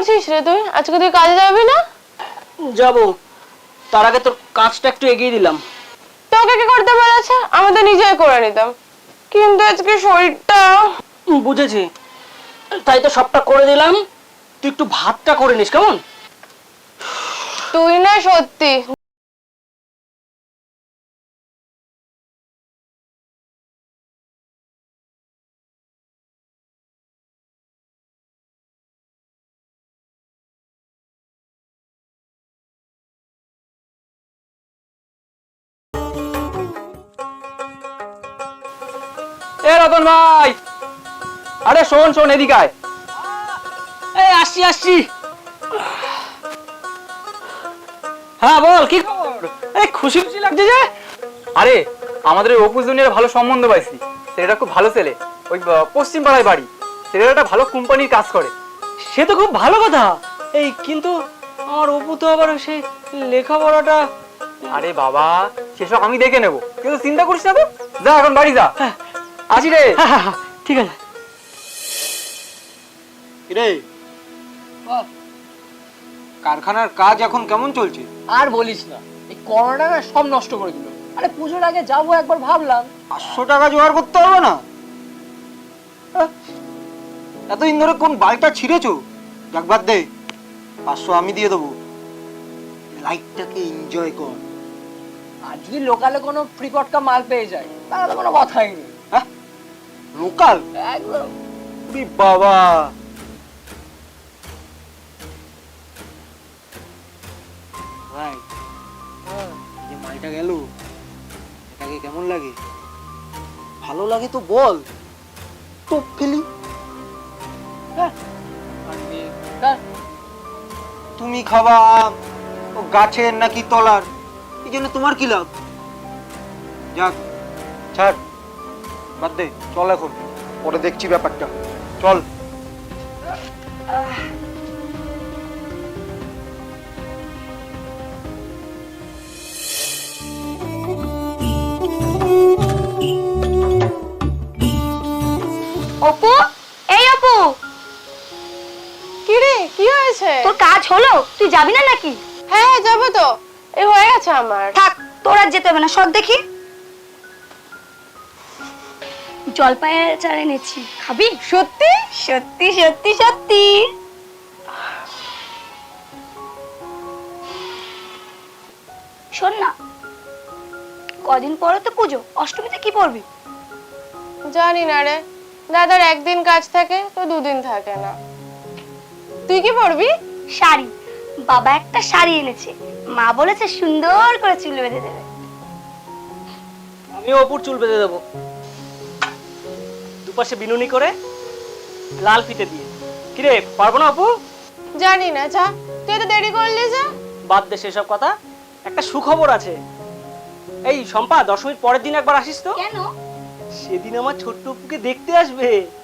করছিস রে তুই? আজকে তুই কাজে যাবি না? যাব, তার আগে তোর কাজটা একটু এগিয়ে দিলাম। তোকে কি করতে বলেছে? আমি তো নিজেই করে নিতাম, কিন্তু আজকে শরীরটা। বুঝেছি, তাই তো সবটা করে দিলাম। তুই একটু ভাতটা করে নিস কেমন? তুই না সত্যি। এ রতন ভাই, আরে শোন শোন, এদিকে আয়। এই আসছি আসছি। হ্যাঁ বল, কি খবর? এই খুশি খুশি লাগছে যে। আরে আমাদের ওই অপু জুনিয়র ভালো সম্বন্ধ পাইছি। ছেলেটা খুব ভালো ছেলে, ওই পশ্চিম পাড়ায় বাড়ি। ছেলেটা একটা ভালো কোম্পানির কাজ করে। সে তো খুব ভালো কথা। এই কিন্তু আমার অপু তো আবার সেই লেখাপড়াটা। আরে বাবা, সেসব আমি দেখে নেবো, কিন্তু চিন্তা করিস না তো। যা এখন বাড়ি যা। আসি রে। ঠিক আছে। রে কারখানার কাজ এখন কেমন চলছে? আর বলিস না, এই করোনা না সব নষ্ট করে দিল। আরে পুজোর আগে যাবো একবার ভাবলাম। 500 টাকা জোগাড় করতে পারবে না? এতদিন ধরে কোন বালটা ছিঁড়েছো? যাক বাদ দে, 500 আমি দিয়ে দেবো। লাইফটাকে এনজয় কর। আর যদি লোকালে কোনো ফ্রি পটকা মাল পেয়ে যায় তাহলে তো কোনো কথাই নেই। হ্যাঁ, লোকাল? একদম। বাবা, ভাই যে মালটা গেল, এটাকে কেমন লাগে? ভালো লাগে তো বল, তো ফেলি। তুমি খাবা আম, ও গাছের নাকি তলার, এই জন্য তোমার কি লাভ? যাক ছাড়, বাদ দে, চল এখন, পরে দেখছি ব্যাপারটা। চল। অপু, এই অপু, কি রে, কি হয়েছে? তোর কাজ হলো? তুই যাবি না নাকি? হ্যাঁ হ্যাঁ, যাবো তো। এই হয়ে গেছে আমার। থাক, তোর আর যেতে হবে না। সব দেখি জলপাইয়ের আচার এনেছি, খাবি? সত্যি? সত্যি সত্যি সত্যি। শোন না, কদিন পরে তো পুজো, অষ্টমীতে কি পরবি? জানি না রে, দাদার একদিন কাজ থাকে তো দুদিন থাকে না। তুই কি পরবি? শাড়ি। বাবা একটা শাড়ি এনেছে, মা বলেছে সুন্দর করে চুল বেঁধে দেবে। আমি অপুর চুল বেঁধে দেবো, দুপাশে বিনুনি করে লাল ফিতে দিয়ে। কিরে, পারবো না অপু? জানি না, যা। তুই তো দেরি করলি যা। বাদ দে সেসব কথা, একটা সুখবর আছে। এই শম্পা, দশমীর পরের দিন একবার আসিস তো। কেন? সেদিন আমার ছোট্ট অপুকে দেখতে আসবে।